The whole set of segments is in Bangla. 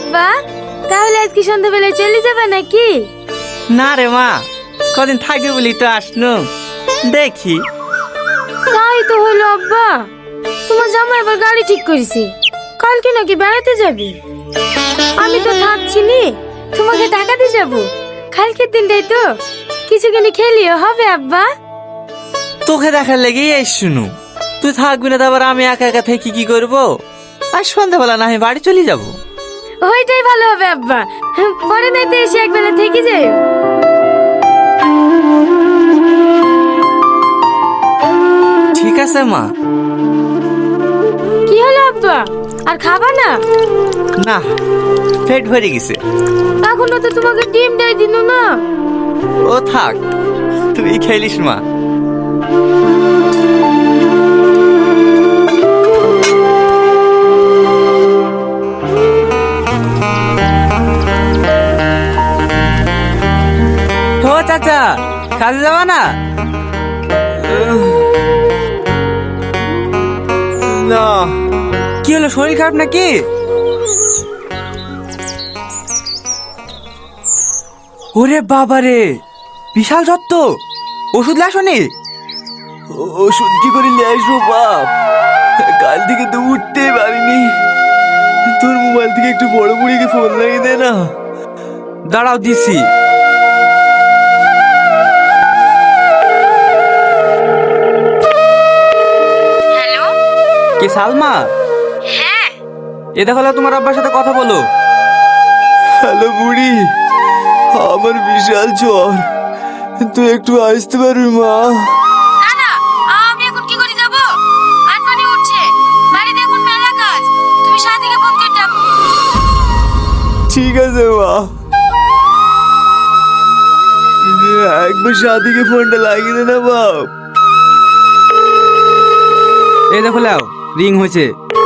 আব্বা, তাহলে আজকে সন্ধ্যাবেলায় চলে যাবে নাকি? না রে মা, কদিন থাকবে বলি তো আসনু, দেখি। তাই তো হলো আব্বা, তোমার জামাই এবার গাড়ি ঠিক করেছে, কালকে নাকি বেড়াতে যাবে। আমি তো থাকছি নি, তোমাকে টাকাতে যাব। কালকের দিনটাই তো কিছু কিনে খেলিও হবে আব্বা। তোকে দেখার লেগেই এই শুনু, তুই থাকবি না, তারপর আমি একা একা থেকে কি করবো? আর সন্ধ্যাবেলা না আমি বাড়ি চলে যাবো। ওইটাই ভালো হবে আব্বা, পরে নাইতে এসে একবেলা থেকে যাই। ঠিক আছে মা। কি হলো আব্বা, আর খাবা না? না, পেট ভরে গেছে। এখনো তো তোমাকে ডিম দেয় দিন না। ও থাক, তুই খেলিস মা। ও চাচা, কাজে যাবা না? না। কি হলো, শরীর খারাপ নাকি? ওরে বাবা রে, বিশাল যত্ন। ওষুধ লাসনি? ওষুধ কি করে আসবো বাপ, কাল থেকে তো উঠতেই পারিনি। তোর মোবাইল থেকে একটু বড় বুড়িকে ফোন লাগিয়ে দে না। দাঁড়াও, দিছি। হ্যালো, কে সালমা? হ্যাঁ। এ দেখো, তোমার আব্বার সাথে কথা বলো। হ্যালো বুড়ি, আমার বিশাল জ্বর, তুই একটু আসতে পারবি মা? না না, আমি এখন কি করে যাব? আটমানি উঠছে, বাড়িতে এখন মেলা কাজ। তুমি সাথীকে ফোন করে ডাকো। ঠিক আছে মা। একবার সাথীকে ফোনটা লাগিয়ে দে না বাপ। এই দেখো, লাও, রিং হয়েছে।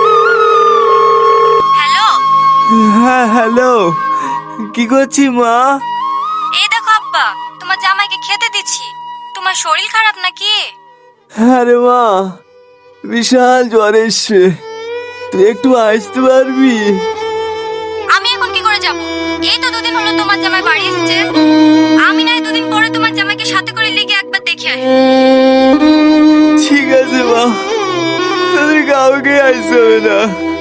হ্যালো, হ্যাঁ হ্যালো, কি করছি মা? এই দেখো আব্বা, তোমার জামাইকে খেতে দিচ্ছি। তোমার শরীর খারাপ নাকি? হ্যাঁ রে মা, বিশাল জ্বর এসছে, তুই একটু আসতে পারবি? আমি এখন কি করে যাব? এই তো দুদিন হলো তোমার জামাই বাড়ি এসেছে। আমি নাই দুদিন পরে তোমার জামাইকে সাথে করে লিগে একবার দেখে আসি। ঠিক আছে মা, তোদের কাউকে আসতে হবে না।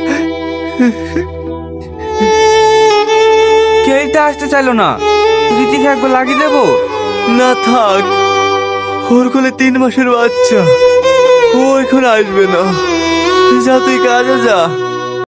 কেউটা আসতে চাইলো না, রীতিকে একবার লাগিয়ে দেবো। না থাক, ওর কোলে 3 মাসের বাচ্চা, ও এখন আসবে না। যা, তুই কাজে যা।